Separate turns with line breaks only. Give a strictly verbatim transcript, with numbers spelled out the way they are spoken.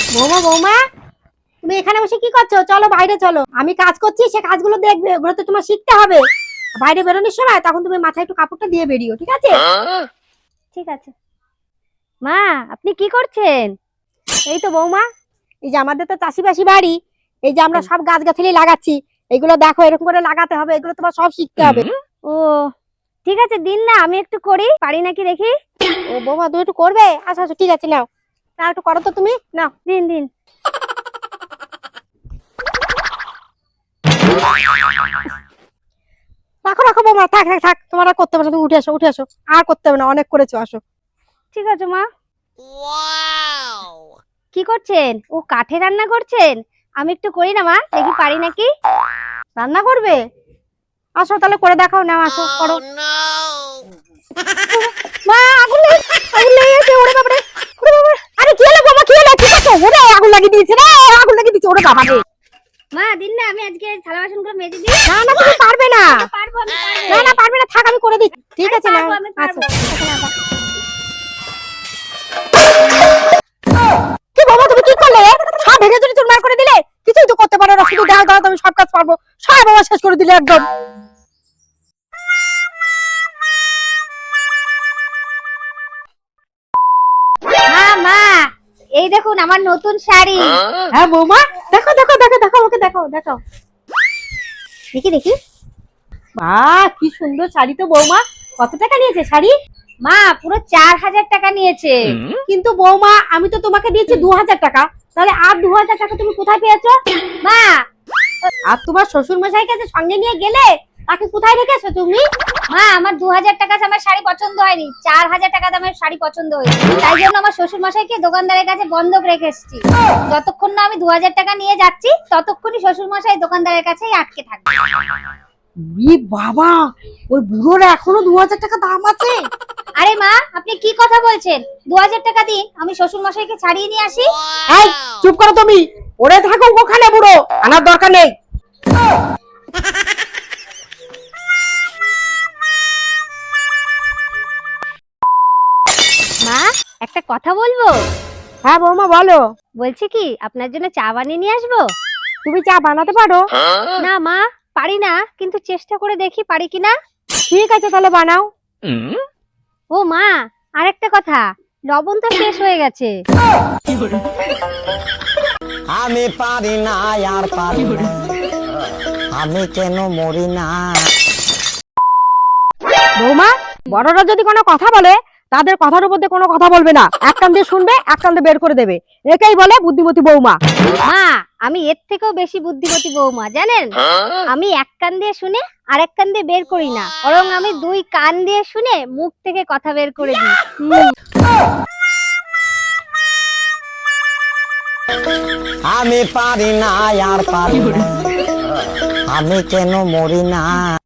বৌমা বৌমা, তুমি এখানে বসে কি করছো? চলো বাইরে চলো, আমি কাজ করছি, সে কাজগুলো দেখবে, ওগুলো তো তোমার শিখতে হবে। বাইরে বেরোনোর সময় তখন তুমি মাথায় একটু কাপড়টা দিয়ে বেরিও, ঠিক আছে?
ঠিক আছে। মা, আপনি কি করছেন?
এই তো বৌমা, এই যে আমাদের তো চাষিবাসী বাড়ি, এই যে আমরা সব গাছগাছালি লাগাচ্ছি, এগুলো দেখো এরকম করে লাগাতে হবে, এগুলো তোমার সব শিখতে হবে।
ও ঠিক আছে, দিন না, আমি একটু করি, পারি নাকি দেখি।
ও বৌমা, তুমি একটু করবে? আচ্ছা আচ্ছা, ঠিক আছে, নাও না, একটু করো তো তুমি, নাও।
দিন দিন।
রাখো রাখো বৌমা, থাক থাক থাক, তোমার আর করতে হবে না, তুমি উঠে আসো উঠে আসো, আর করতে হবে না, অনেক করেছো, আসো।
ঠিক আছে মা। কি করছেন? ও কাঠে রান্না করছেন? আমি একটু করি না মা, দেখি পারি নাকি।
রান্না করবে? আসো তাহলে করে দেখাও, নাও আসো করো। মা, আগুন লেগে আগুন লেগে গেছে, ওরে বাবা রে, ওরে বাবা, আরে কি হলো বাবা, কি হলো, কি করছো? ওরে আগুন লাগিয়ে দিয়েছে রে, আগুন লাগিয়ে দিয়েছে, ওরে বাবা রে।
মা দিন না, আমি আজকে থালা বাসনগুলো মেজে দিই।
না না, তুমি পারবে না।
পারবো, আমি
না
পারবো।
না, পারবে না, থাক আমি করে দিচ্ছি, ঠিক আছে নাও।
পারবো, আমি পারবো।
আচ্ছা, কি বাবা, তুমি কি করলে? সব ভেঙে চুরি চুরমার করে দিলে, কিছুই তো করতে পারো না, শুধু দাও দাও, তুমি সব কাজ পারবো, সব বাবা শেষ করে দিলে একদম।
মা মা, এই দেখুন আমার নতুন শাড়ি।
হ্যাঁ বৌমা, দেখো দেখো দেখো দেখো, ওকে দেখো দেখো,
দেখি দেখি।
বাহ কি সুন্দর শাড়ি তো বৌমা, কত টাকা নিয়েছে শাড়ি?
মা পুরো চার হাজার টাকা নিয়েছে।
কিন্তু বৌমা, আমি তো তোমাকে দিয়েছি দু হাজার টাকা, তাহলে আর দু হাজার টাকা তুমি কোথায় পেয়েছো?
মা,
আর তোমার শ্বশুর মশাই কাছে সঙ্গে নিয়ে গেলে, তাকে কোথায় রেখেছো তুমি?
মা আমার দু হাজার টাকা আমার শাড়ি পছন্দ হয়নি, চার হাজার টাকা দামের শাড়ি পছন্দ হয়েছে, তাই জন্য আমার শ্বশুর মশাইকে দোকানদারের কাছে বন্ধক রেখে এসেছি। যতক্ষণ না আমি দু হাজার টাকা নিয়ে যাচ্ছি, ততক্ষণই শ্বশুর মশাই দোকানদারের কাছেই আটকে থাকবে।
ই বাবা, ওই বুড়োর এখনো দু হাজার টাকা দাম আছে?
আরে মা, আপনি কি কথা বলছেন? দু হাজার টাকা দিন, আমি শ্বশুর মশাইকে ছাড়িয়ে নিয়ে আসি।
এই চুপ করো তুমি, ওরে থাকো ওখানে, বুড়ো আনার দরকার নেই।
মা, একটা কথা বলবো।
হ্যাঁ বৌমা বলো।
বলছি কি, আপনার জন্য চা বানিয়ে নিয়ে আসবো?
তুমি চা বানাতে পারো?
না মা, পারি না, কিন্তু চেষ্টা করে দেখি পারি কিনা।
ঠিক আছে তাহলে বানাও।
ও মা, আরেকটা কথা, লবণ তো শেষ হয়ে গেছে।
আমি পারি না আর পারি না, আমি কেন মরি না।
বৌমা, বড়রা যদি কোনো কথা বলে, তাদের কথার উপর দিয়ে কোনো কথা বলবে না, এক কান দিয়ে শুনবে, এক কান দিয়ে বের করে দেবে, একেই বলে বুদ্ধিমতী বৌমা।
মা, আমি এর থেকেও বেশি বুদ্ধিমতী বৌমা, জানেন? আমি এক কান দিয়ে শুনে আর এক কান দিয়ে বের করি না, বরং আমি দুই কান দিয়ে শুনে মুখ থেকে কথা বের করে দিই।
আমি পারি না আর পারি না, আমি কেন মরি না।